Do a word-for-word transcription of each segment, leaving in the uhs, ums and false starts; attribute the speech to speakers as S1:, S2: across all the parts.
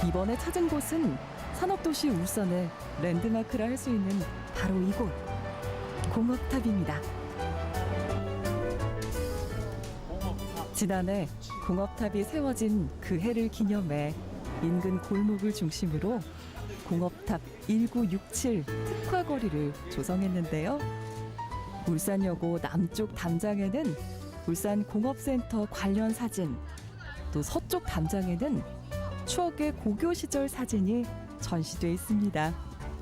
S1: 이번에 찾은 곳은 산업도시 울산의 랜드마크라 할 수 있는 바로 이곳, 공업탑입니다. 지난해 공업탑이 세워진 그 해를 기념해 인근 골목을 중심으로 공업탑 천구백육십칠 특화거리를 조성했는데요. 울산여고 남쪽 담장에는 울산공업센터 관련 사진, 또 서쪽 담장에는 추억의 고교 시절 사진이 전시돼 있습니다.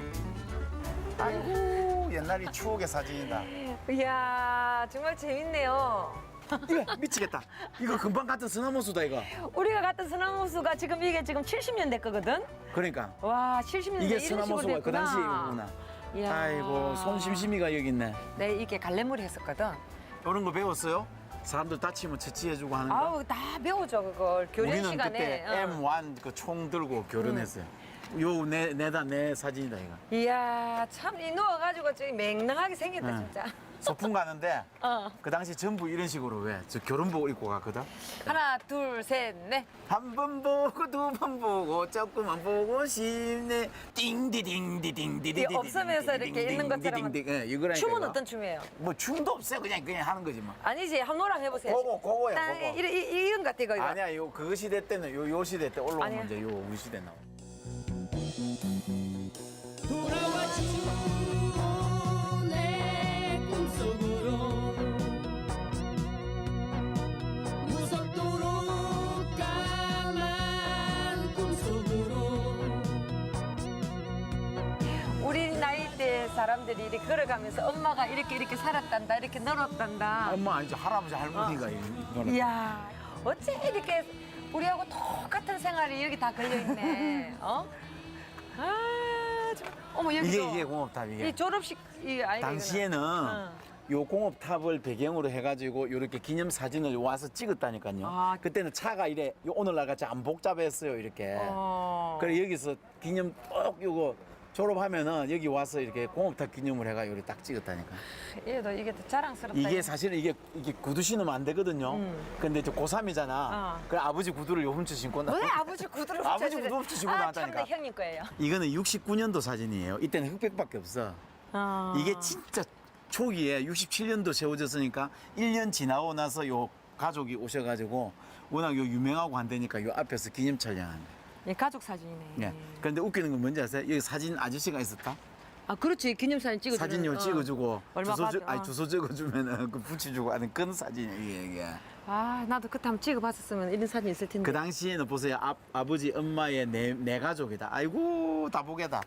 S2: 아이고 옛날이 추억의 사진이다.
S3: 이야, 정말 재밌네요.
S2: 이거 미치겠다. 이거 금방 같은 소나무수다 이거.
S3: 우리가 갔던 소나무수가 지금 이게 지금 칠십 년대 거거든?
S2: 그러니까
S3: 와, 칠십 년대
S2: 이게
S3: 이런 식으로
S2: 소나무수가 그
S3: 됐구나.
S2: 당시에 이거구나.
S3: 이야.
S2: 아이고 손심심이가 여기 있네.
S3: 네, 이게 갈래머리 했었거든.
S2: 이런 거 배웠어요? 사람들 다치면 처치해주고 하는 거.
S3: 아우, 다 배우죠, 그걸. 교련
S2: 우리는
S3: 시간에.
S2: 그때
S3: 어.
S2: 엠 원 그 총 들고 교련했어요. 요 내 내다 내 사진이다 이거.
S3: 이야, 참, 이 누워가지고 저기 맹랑하게 생겼다,
S2: 응.
S3: 진짜.
S2: 소풍 가는데
S3: 어.
S2: 그 당시 전부 이런 식으로 왜 저 교련복 입고 갔거든.
S3: 하나, 둘, 셋, 넷.
S2: 한 번 보고 두 번 보고 조금만 보고 싶네. 띵디딩디딩디디.
S3: 이 없으면서 이렇게 있는 것처럼.
S2: 예, 이거라니까.
S3: 춤은
S2: 이거.
S3: 어떤 춤이에요?
S2: 뭐 춤도 없어요. 그냥 그냥 하는 거지 뭐.
S3: 아니지, 한 노랑 해보세요.
S2: 그거 그거야
S3: 땅,
S2: 그거.
S3: 이, 이, 이런 것 같아, 이거. 이거.
S2: 아니야 요 그 시대 때는 요 요 시대 때 올라오면
S3: 아니야.
S2: 이제 요 우리 시대 나와.
S4: 돌아왔지 내 꿈속으로 무섭도록 까만 꿈속으로
S3: 우리 나이대 사람들이 이렇게 걸어가면서 엄마가 이렇게 이렇게 살았단다, 이렇게 널었단다.
S2: 엄마 아니죠 할아버지 할머니가 이거는.
S3: 이야, 어째 이렇게 우리하고 똑같은 생활이 여기 다 걸려있네. 어? 아, 참. 어머, 여기도.
S2: 이게 이게 공업탑 이게.
S3: 이 졸업식, 이 아이가.
S2: 당시에는
S3: 이거는.
S2: 요 공업탑을 배경으로 해가지고 이렇게 기념 사진을 와서 찍었다니까요.
S3: 아.
S2: 그때는 차가 이래 요 오늘날 같이 안 복잡했어요 이렇게.
S3: 어.
S2: 그래 여기서 기념 꼭 요거 졸업하면은 여기 와서 이렇게 공업탑 기념을 해가 요리 딱 찍었다니까.
S3: 얘도 이게 더 자랑스럽다.
S2: 이게
S3: 이거.
S2: 사실은 이게 이게 구두 신으면 안 되거든요.
S3: 음.
S2: 근데 저 고삼이잖아.
S3: 어.
S2: 그래 아버지 구두를 요 훔쳐 신고 나.
S3: 왜 아버지 구두를
S2: 아버지
S3: 훔쳐주래?
S2: 구두 훔쳐 신고
S3: 아,
S2: 나왔다니까.
S3: 참나 형님 거예요.
S2: 이거는 육십구 년도 사진이에요. 이때는 흑백밖에 없어.
S3: 어.
S2: 이게 진짜 초기에 육십칠 년도 세워졌으니까 일 년 지나고 나서 요 가족이 오셔가지고 워낙 요 유명하고 한다니까 요 앞에서 기념 촬영한 거예요.
S3: 예, 가족 사진이네.
S2: 예. 그런데 웃기는 건 뭔지 아세요? 여기 사진 아저씨가 있었다?
S3: 아, 그렇지. 기념사진 찍어주는.
S2: 사진 요
S3: 어.
S2: 찍어주고
S3: 얼마
S2: 주소, 적-
S3: 받-
S2: 아니,
S3: 어.
S2: 주소 적어주면은 그 붙여주고 하는 그런 사진이에요 이게, 이게.
S3: 아, 나도 그때 한번 찍어봤었으면 이런 사진 있을 텐데.
S2: 그 당시에는 보세요 아, 아버지 엄마의 내, 내 가족이다. 아이고 다 보게다.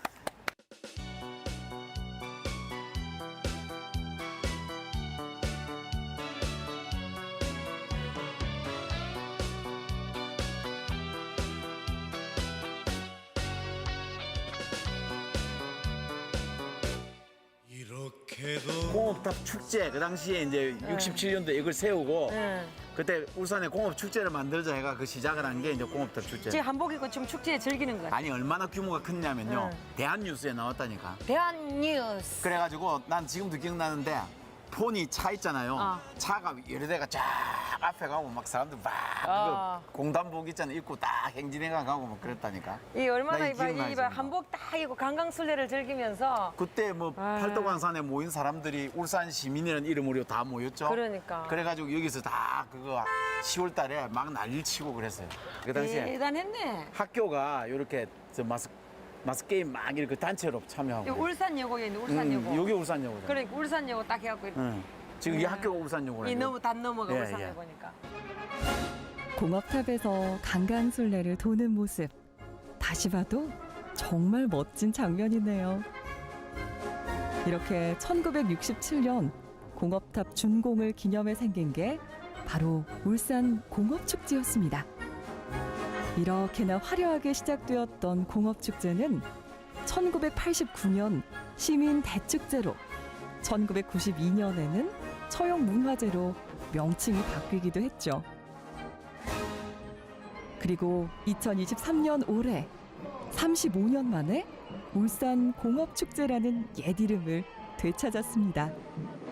S4: 이렇게도
S2: 공업탑 축제 그 당시에 이제 육십칠 년도에 이걸 세우고
S3: 응.
S2: 그때 울산에 공업 축제를 만들자 해가 그 시작을 한 게 이제 공업탑 축제.
S3: 지금 한복 입고 지금 축제에 즐기는 거야.
S2: 아니 얼마나 규모가 컸냐면요.
S3: 응.
S2: 대한뉴스에 나왔다니까.
S3: 대한뉴스.
S2: 그래가지고 난 지금도 기억나는데 폰이 차 있잖아요.
S3: 어.
S2: 차가 여러 대가 쫙 앞에 가고 막 사람들 막
S3: 어.
S2: 그 공단복 있잖아요. 입고 딱 행진해가 가고 막 그랬다니까.
S3: 이 얼마나
S2: 나
S3: 이봐,
S2: 기억나지,
S3: 이봐
S2: 뭐.
S3: 한복 딱 입고 강강술래를 즐기면서.
S2: 그때 뭐
S3: 아.
S2: 팔도광산에 모인 사람들이 울산 시민이라는 이름으로 다 모였죠.
S3: 그러니까.
S2: 그래가지고 여기서 다 그거 시월 달에 막 난리를 치고 그랬어요. 그 당시에
S3: 대단했네.
S2: 학교가 이렇게 저 마스 마스 게임 막 이렇게 단체로 참여하고.
S3: 이 울산여고에 있는 울산여고.
S2: 음, 여기 울산여고죠.
S3: 그러니까 울산여고 딱 해갖고. 이렇게.
S2: 응. 지금 이
S3: 음.
S2: 학교가 울산여고라고.
S3: 이 너무 단 넘어가
S2: 예,
S3: 울산여고니까.
S1: 공업탑에서 강강술래를 도는 모습, 다시 봐도 정말 멋진 장면이네요. 이렇게 천구백육십칠 년 공업탑 준공을 기념해 생긴 게 바로 울산 공업축제였습니다. 이렇게나 화려하게 시작되었던 공업축제는 천구백팔십구 년 시민 대축제로, 천구백구십이 년에는 처용문화제로 명칭이 바뀌기도 했죠. 그리고 이천이십삼 년 올해 삼십오 년 만에 울산 공업축제라는 옛 이름을 되찾았습니다.